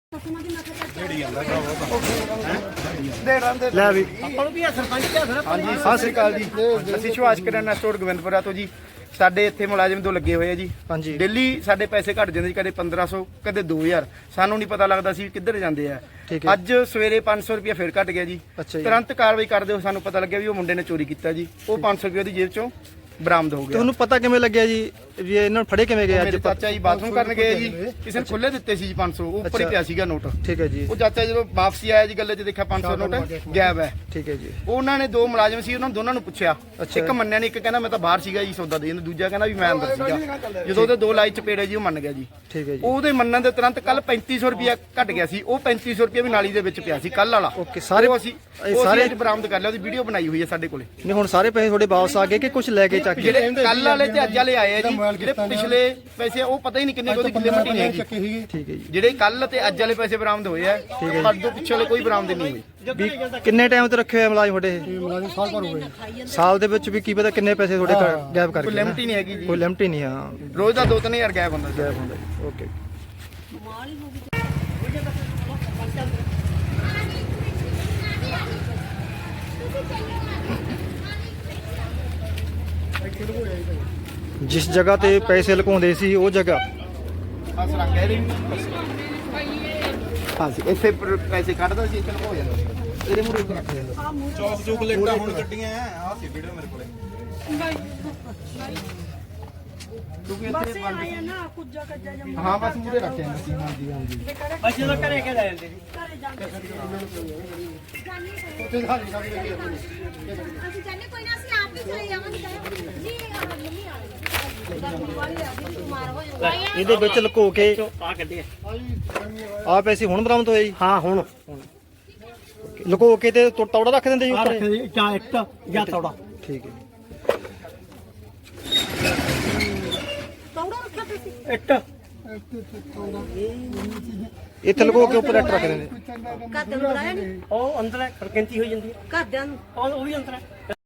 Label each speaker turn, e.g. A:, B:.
A: ਲੈ ਵੀ ਆਪਾਂ ਨੂੰ ਵੀ ਸਰਪੰਚ ਕਿਹਾ ਸਰ। ਹਾਂਜੀ ਸਤਿ ਸ੍ਰੀ ਅਕਾਲ ਜੀ। ਅਸੀਂ ਸੁਭਾਸ਼ ਕਿਰਾਨਾ ਸਟੋਰ ਗੋਬਿੰਦਪੁਰਾ ਤੋਂ ਜੀ। ਸਾਡੇ ਇੱਥੇ ਮੁਲਾਜ਼ਮ ਦੋ ਲੱਗੇ ਹੋਏ ਆ ਜੀ। ਹਾਂਜੀ ਡੇਲੀ ਸਾਡੇ ਪੈਸੇ ਘਟ ਜਾਂਦੇ ਜੀ, ਕਦੇ 1500 ਕਦੇ 2000। ਸਾਨੂੰ ਨਹੀਂ ਪਤਾ ਲੱਗਦਾ ਸੀ ਕਿੱਧਰ ਜਾਂਦੇ ਆ। ਅੱਜ ਸਵੇਰੇ 500 ਰੁਪਇਆ ਫਿਰ ਘਟ ਗਿਆ ਜੀ। ਤੁਰੰਤ ਕਾਰਵਾਈ ਕਰਦੇ ਹੋ ਸਾਨੂੰ ਪਤਾ ਲੱਗਿਆ ਵੀ ਉਹ ਮੁੰਡੇ ਨੇ ਚੋਰੀ ਕੀਤਾ ਜੀ। ਉਹ 500 ਰੁਪਏ ਉਹਦੀ ਜੇਬ ਚੋਂ ਬਰਾਮਦ ਹੋ ਗਿਆ। ਤੁਹਾਨੂੰ ਪਤਾ ਕਿਵੇਂ ਲੱਗਿਆ ਜੀ ਵੀ ਇਹਨਾਂ ਨੂੰ ਫੜੇ ਕਿਵੇਂ ਗਏ? ਅੱਜ ਚਾਚਾ ਜੀ ਬਾਥਰੂਮ ਕਰਨ ਗਏ ਜੀ, ਕਿਸੇ ਨੇ ਖੁੱਲੇ ਦਿੱਤੇ ਸੀ ਜੀ 500, ਉਹ ਉੱਪਰ ਹੀ ਪਿਆ ਸੀਗਾ ਨੋਟ। ਠੀਕ ਹੈ ਜੀ। ਉਹ ਚਾਚਾ ਜਦੋਂ ਵਾਪਸੀ ਆਇਆ ਜੀ ਗੱਲੇ 'ਚ ਦੇਖਿਆ 500 ਨੋਟ ਗਾਇਬ ਹੈ। ਠੀਕ ਹੈ ਜੀ। ਉਹਨਾਂ ਨੇ ਦੋ ਮੁਲਾਜ਼ਮ ਸੀ, ਉਹਨਾਂ ਦੋਨਾਂ ਨੂੰ ਪੁੱਛਿਆ, ਇੱਕ ਮੰਨਿਆ ਨਹੀਂ, ਇੱਕ ਕਹਿੰਦਾ ਮੈਂ ਤਾਂ ਬਾਹਰ ਸੀਗਾ ਜੀ ਸੌਦਾ ਦੇਣ, ਦੂਜਾ ਕਹਿੰਦਾ ਵੀ ਮੈਂ ਅੰਦਰ ਸੀਗਾ। ਜਦੋਂ ਉਹਦੇ ਦੋ ਲਾਈ ਚਪੇੜੇ ਜੀ ਉਹ ਮੰਨ ਗਿਆ ਜੀ। ਠੀਕ ਹੈ ਜੀ। ਉਹਦੇ ਮੰਨਣ ਦੇ ਤੁਰੰਤ ਕੱਲ 3500 ਰੁਪਇਆ ਘਟ ਗਿਆ ਸੀ। ਉਹ 3500 ਰੁਪਇਆ ਵੀ ਨਾਲੀ ਦੇ ਵਿੱਚ ਪਿਆ ਸੀ ਕੱਲ ਵਾਲਾ। ਓਕੇ ਸਾਰੇ ਅਸੀਂ ਸਾਰੇ ਬਰਾਮਦ ਕਰ ਲਿਆ, ਉਹਦੀ ਵੀਡੀਓ ਬਣਾਈ ਹੋਈ ਹੈ ਸਾਡੇ ਕੋਲੇ। ਨਹੀਂ ਹੁਣ ਸਾਰੇ ਪੈਸੇ ਤੁਹਾਡੇ ਵਾਪਸ ਆ ਗਏ ਕਿ ਕੁਝ ਲੈ ਕੇ ਚੱਕ ਕੇ? ਕੱਲ ਵਾਲੇ ਤੇ ਅੱਜ ਵਾਲੇ ਆਏ ਆ ਜੀ। ਜਿਹੜੇ ਪਿਛਲੇ ਪੈਸੇ ਉਹ ਪਤਾ ਹੀ ਨਹੀਂ ਕਿੰਨੇ ਉਹਦੀ ਲਿਮਟ ਹੀ ਨਹੀਂ ਹੈਗੀ। ਠੀਕ ਹੈ ਜੀ। ਜਿਹੜੇ ਕੱਲ ਤੇ ਅੱਜ ਵਾਲੇ ਪੈਸੇ ਬਰਾਮਦ ਹੋਏ ਆ, ਪਰ ਦੋ ਪਿੱਛੇ ਵਾਲੇ ਕੋਈ ਬਰਾਮਦ ਨਹੀਂ ਹੋਏ। ਕਿੰਨੇ ਟਾਈਮ ਤੇ ਰੱਖੇ ਹੋਏ ਮੁਲਾਜ਼ਮ ਤੁਹਾਡੇ? ਮੁਲਾਜ਼ਮ ਸਾਲ ਭਰ ਹੋ ਗਏ। ਸਾਲ ਦੇ ਵਿੱਚ ਵੀ ਕੀ ਪਤਾ ਕਿੰਨੇ ਪੈਸੇ ਤੁਹਾਡੇ ਗਾਇਬ ਕਰ ਗਏ? ਕੋਈ ਲਿਮਟ ਹੀ ਨਹੀਂ ਹੈਗੀ ਜੀ। ਕੋਈ ਲਿਮਟ ਹੀ ਨਹੀਂ। ਹਾਂ ਰੋਜ਼ ਦਾ 2-3000 ਗਾਇਬ ਹੁੰਦਾ ਜੀ। ਓਕੇ जिस जगह ते पैसे लुकाउंदे सी वो जगह ਇੱਥੇ ਪੈਸੇ ਕੱਢਦਾ ਸੀ, ਇੱਥੇ ਲੁਕੋ ਜਾਂਦਾ ਸੀ। ਇਹਦੇ ਮੂਹਰੇ ਰੱਖ ਜਾਂਦਾ ਚੌਕ ਚੌਕ ਲੇਟਾ ਹੁਣ ਗੱਡੀਆਂ ਆ ਸੀ ਵੀਡੀਓ ਮੇਰੇ ਕੋਲੇ। ਕਿਉਂਕਿ ਇੱਥੇ ਆਇਆ ਨਾ ਕੁੱਜਾ ਕੱਜਾ ਜਮਾ। ਹਾਂ ਬਸ ਮੂਹਰੇ ਰੱਖ ਜਾਂਦਾ ਸੀ। ਹਾਂਜੀ ਹਾਂਜੀ ਬਸ ਜਦੋਂ ਘਰੇ ਕੇ ਲੈ ਜਾਂਦੇ ਸੀ। ਘਰੇ ਜਾਂਦੇ ਉੱਥੇ ਸਾਡੀ ਸਾਡੀ ਅਸੀਂ ਜਾਣੇ ਕੋਈ ਨਾ, ਅਸੀਂ ਆਪ ਹੀ ਚਲੇ ਜਾਵਾਂਗੇ ਜੀ। ਮੰਮੀ ਆ ਇਹਦੇ ਵਿੱਚ ਲੁਕੋ ਕੇ ਆ ਕੱਢਿਆ ਆ ਪੈਸੇ ਹੁਣ ਬਰਾਮਦ ਹੋਏ ਜੀ? ਹਾਂ ਹੁਣ ਲੁਕੋ ਕੇ ਤੇ ਤੌੜਾ ਰੱਖ ਦਿੰਦੇ ਜੀ ਉੱਪਰ, ਜਾਂ ਇੱਟ ਜਾਂ ਤੌੜਾ। ਠੀਕ ਹੈ। ਤੌੜਾ ਰੱਖਿਆ ਤੁਸੀਂ? ਇੱਟ ਇੱਥੇ ਲੁਕੋ ਕੇ ਉੱਪਰ ਇੱਟ ਰੱਖ ਦਿੰਦੇ। ਘਰ ਦੇ ਨੂੰ ਬੁਲਾਇਆ ਨਹੀਂ? ਉਹ ਅੰਦਰ ਹੈ, ਖੜਕੰਤੀ ਹੋਈ ਜਾਂਦੀ ਹੈ ਘਰਦਿਆਂ ਨੂੰ, ਉਹ ਵੀ ਅੰਦਰ ਹੈ।